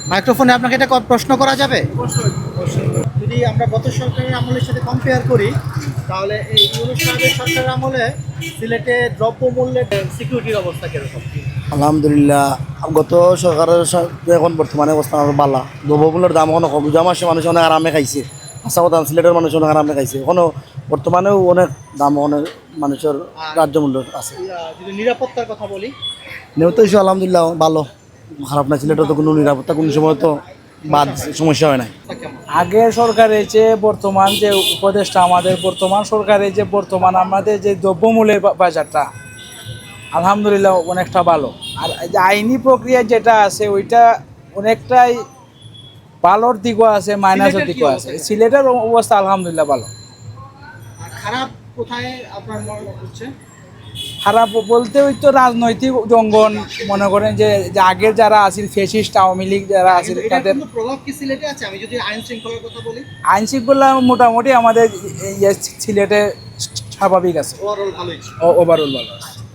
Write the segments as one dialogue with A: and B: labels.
A: মাইক্রোফোনে আপনাকে এটা প্রশ্ন করা যাবে? যদি আমরা গত সরকারের আমলের সাথে কম্পেয়ার করি, তাহলে এই ইউনূস সাহেবের সরকারের আমলে সিলেটে দ্রব্যমূল্যের সিকিউরিটির অবস্থা কিরকম?
B: আলহামদুলিল্লাহ, গত সরকারের সাথে এখন বর্তমানে অবস্থা আরো বালা। দ্রব্যমূল্যের দাম এখনো কম, যা মাসে মানুষ অনেক আরামে খাইছে। আশা কথা সিলেটের মানুষ অনেক আরামে খাইছে, এখনো বর্তমানেও অনেক দাম অনেক মানুষের রাজ্য মূল্য আছে।
A: যদি নিরাপত্তার কথা বলি,
B: নিহত হিসেবে আলহামদুলিল্লাহ ভালো, খারাপ না। সিলেটে তো কোনো নিরাপত্তা কোনো সময় তো বাদ সমস্যা হয় না।
C: আগের সরকারের যে বর্তমান যে উপদেষ্টা, আমাদের বর্তমান সরকারের যে বর্তমান আমাদের যে দ্রব্যমূল্যের বাজারটা আলহামদুলিল্লাহ অনেকটা ভালো। আর এই যে আইনি প্রক্রিয়া যেটা আছে ওইটা অনেকটাই ভালোর দিকও আছে, মাইনাসের দিকও আছে। সিলেটের অবস্থা আলহামদুলিল্লাহ ভালো।
A: আর খারাপ কোথায় আপনার মনে হচ্ছে?
C: খারাপ বলতে ওই তো রাজনৈতিক জঙ্গন, মনে করেন যে যে আগের যারা আছিল ফেসিস্ট আওয়ামী লীগ যারা আছিল তাদের
A: প্রভাব কি সিলেটে আছে? আমি যদি আইন শৃঙ্খলার কথা বলি,
C: আইন শৃঙ্খলা মোটামুটি আমাদের সিলেটে স্বাভাবিক আছে,
A: ওভারঅল ভালোই।
C: ওভারঅল ভালো।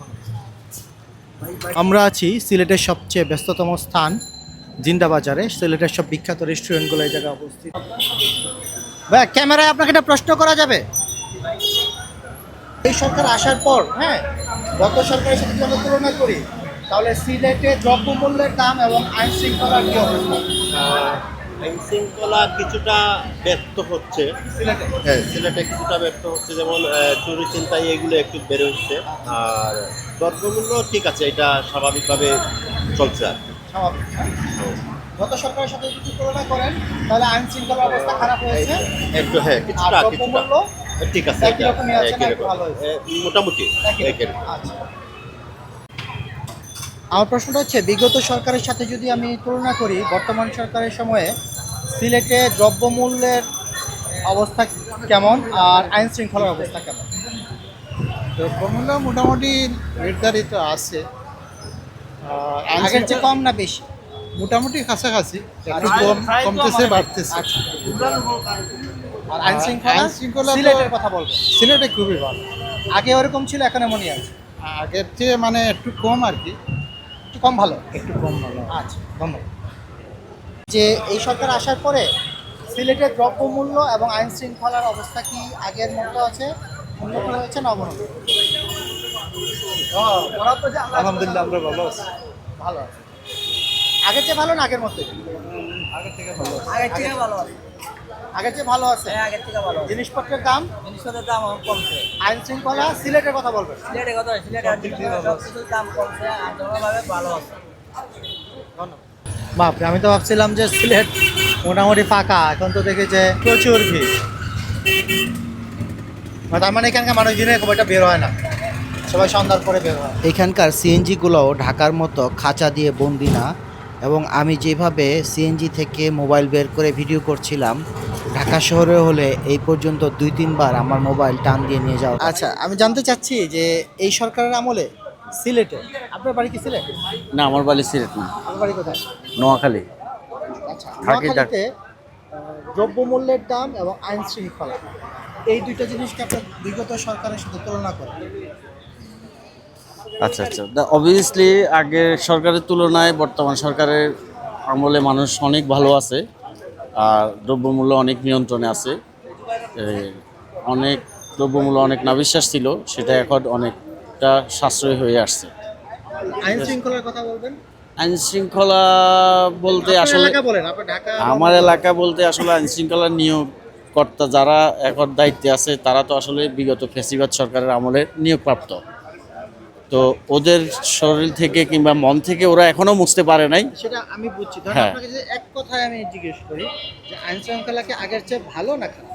A: আমরা আছি সিলেটের সবচেয়ে ব্যস্ততম স্থান জিন্দাবাজারে। সিলেটের সব বিখ্যাত রেস্টুরেন্টগুলো এই জায়গায় অবস্থিত। ভাই, ক্যামেরায় আপনাকে একটা প্রশ্ন করা যাবে? এই সরকার আসার পর, হ্যাঁ, গত সরকারের সাথে যদি আমরা তুলনা করি, তাহলে সিলেটে দ্রব্যমূল্যের দাম এবং আইন শৃঙ্খলার কি অবস্থা?
D: আইন শৃঙ্খলা কিছুটা ব্যর্থ হচ্ছে।
A: সিলেটে
D: হ্যাঁ, সিলেটে কিছুটা ব্যর্থ হচ্ছে, যেমন চুরি ছিনতাই এগুলো একটু বেড়ে হচ্ছে। আর দ্রব্যমূল্য ঠিক আছে, এটা স্বাভাবিকভাবে চলছে আর কি।
A: স্বাভাবিক, হ্যাঁ? গত সরকারের সাথে যদি তুলনা করেন, তাহলে আইন শৃঙ্খলার অবস্থা খারাপ হয়েছে।
D: একটু হ্যাঁ,
A: আর
D: কিছুটা
A: দ্রব্যমূল্য
D: ঠিক আছে,
A: একই রকমই আছে না,
D: একই
A: একটু
D: রকম।
A: ভালো হয়েছে?
D: মোটামুটি
A: একই
D: একই
A: রকম।
D: রকম।
A: আচ্ছা, আমার প্রশ্নটা হচ্ছে, বিগত সরকারের সাথে যদি আমি তুলনা করি, বর্তমান সরকারের সময়ে সিলেটে দ্রব্যমূল্যের অবস্থা কেমন আর আইন শৃঙ্খলার অবস্থা কেমন?
E: দ্রব্যমূল্য মোটামুটি নির্ধারিত আছে।
A: আগের চেয়ে কম না বেশি?
E: মোটামুটি কাছাকাছি, একটু কম কমতেছে বাড়তেছে।
A: আচ্ছা। আর আইন শৃঙ্খলা?
E: আইন শৃঙ্খলা তো-
A: সিলেটের কথা বলবো।
E: সিলেটে খুবই ভালো,
A: আগে ওরকম ছিল, এখন এমনই আছে?
E: আগের চেয়ে মানে একটু কম আর কি,
A: একটু কম ভালো।
E: একটু কম ভালো।
A: আচ্ছা, ধন্যবাদ। যে এই সরকার আসার পরে সিলেটের দ্রব্যমূল্য এবং আইন শৃঙ্খলার অবস্থা কি আগের মতো আছে, উন্নত হয়েছে না অবনতি?
E: আলহামদুলিল্লাহ আমরা ভালো আছি।
A: ভালো আছে। আগের চেয়ে ভালো না আগের মতো?
E: আগের থেকে ভালো আছি।
A: আগের চেয়ে ভালো আছে। আগের চেয়ে ভালো আছে?
F: আগের থেকে ভালো।
A: জিনিসপত্রের দাম,
F: জিনিসপত্রের দাম এখন কমছে।
A: আইন শৃঙ্খলা, সিলেটের কথা বলবেন?
F: সিলেটের কথা, সিলেটের
E: সব দিক দিয়ে ভালো আছে।
F: সবকিছুর দাম কমছে, আন্দোলনভাবে ভালো আছে।
A: বাপরে, আমি তো ভাবছিলাম যে সিলেট মোটামুটি ফাঁকা, এখন তো দেখি যে প্রচুর ভিড়। তার মানে এখানকার মানুষ দিনে খুব একটা বের হয় না, সবাই সন্ধ্যার পরে বের হয়।
G: এখানকার সিএনজিগুলোও ঢাকার মতো খাঁচা দিয়ে বন্দি না, এবং আমি যেভাবে সিএনজি থেকে মোবাইল বের করে ভিডিও করছিলাম, ঢাকা শহরে হলে এই পর্যন্ত 2-3 বার আমার মোবাইল টান দিয়ে নিয়ে যাওয়া।
A: আচ্ছা, আমি জানতে চাচ্ছি যে এই সরকারের আমলে সিলেটে, আপনার বাড়ি কি সিলেট?
H: না, আমার বাড়ি সিলেট না,
A: আমার বাড়ি কোথায়?
H: নোয়াখালী।
A: আচ্ছা,
H: থাকি
A: নোয়াখালীতে দ্রব্যমূল্যের দাম এবং আইন শৃঙ্খলা, এই দুইটা জিনিসকে আপনার বিগত সরকারের সাথে তুলনা করেন।
H: আচ্ছা আচ্ছা, অবভিয়াসলি আগের সরকারের তুলনায় বর্তমান সরকারের আমলে মানুষ অনেক ভালো আছে, আর দ্রব্যমূল্য অনেক নিয়ন্ত্রণে আছে। অনেক দ্রব্যমূল্য অনেক নাবিশ্বাস ছিল, সেটা এখন অনেকটা সাশ্রয় হয়ে আসছে।
A: আইন শৃঙ্খলার কথা বলবেন?
H: আইন শৃঙ্খলা বলতে
A: আপনার
H: আসলে
A: এলাকা বলেন, আপনার ঢাকা।
H: আমার এলাকা বলতে আসলে আইন শৃঙ্খলার নিয়োগকর্তা যারা এখন দায়িত্বে আছে, তারা তো আসলে বিগত ফ্যাসিবাদ সরকারের আমলে নিয়োগপ্রাপ্ত। তো ওদের শরীর থেকে কিংবা মন থেকে ওরা এখনো মুছতে পারে নাই।
A: সেটা আমি বুঝছি। ধরেন
H: হ্যাঁ।
A: আপনাকে যে এক কথায় আমি জিজ্ঞেস করি যে আইন শৃঙ্খলা কি আগের চেয়ে ভালো না খারাপ?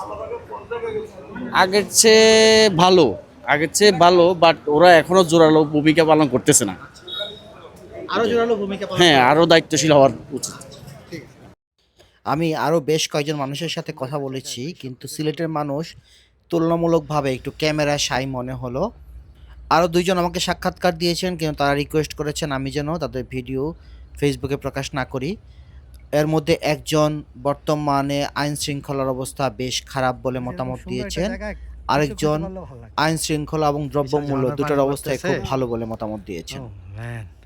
H: আগের চেয়ে ভালো, আগের চেয়ে ভালো, বাট ওরা এখনো জোরালো ভূমিকা পালন করতেছে না।
A: আরো জোরালো ভূমিকা পালন
H: হ্যাঁ,
A: করবে।
H: আরো দায়িত্বশীল হওয়ার উচিত।
G: আমি আরও বেশ কয়েকজন মানুষের সাথে কথা বলেছি, কিন্তু সিলেটের মানুষ তুলনামূলকভাবে একটু ক্যামেরা শাই মনে হলো। আরও 2জন আমাকে সাক্ষাৎকার দিয়েছেন, কিন্তু তারা রিকোয়েস্ট করেছেন আমি যেন তাদের ভিডিও ফেসবুকে প্রকাশ না করি। এর মধ্যে একজন বর্তমানে আইন শৃঙ্খলার অবস্থা বেশ খারাপ বলে মতামত দিয়েছেন, আরেকজন আইন শৃঙ্খলা এবং দ্রব্যমূল্য দুটোর অবস্থায় খুব ভালো বলে মতামত দিয়েছেন।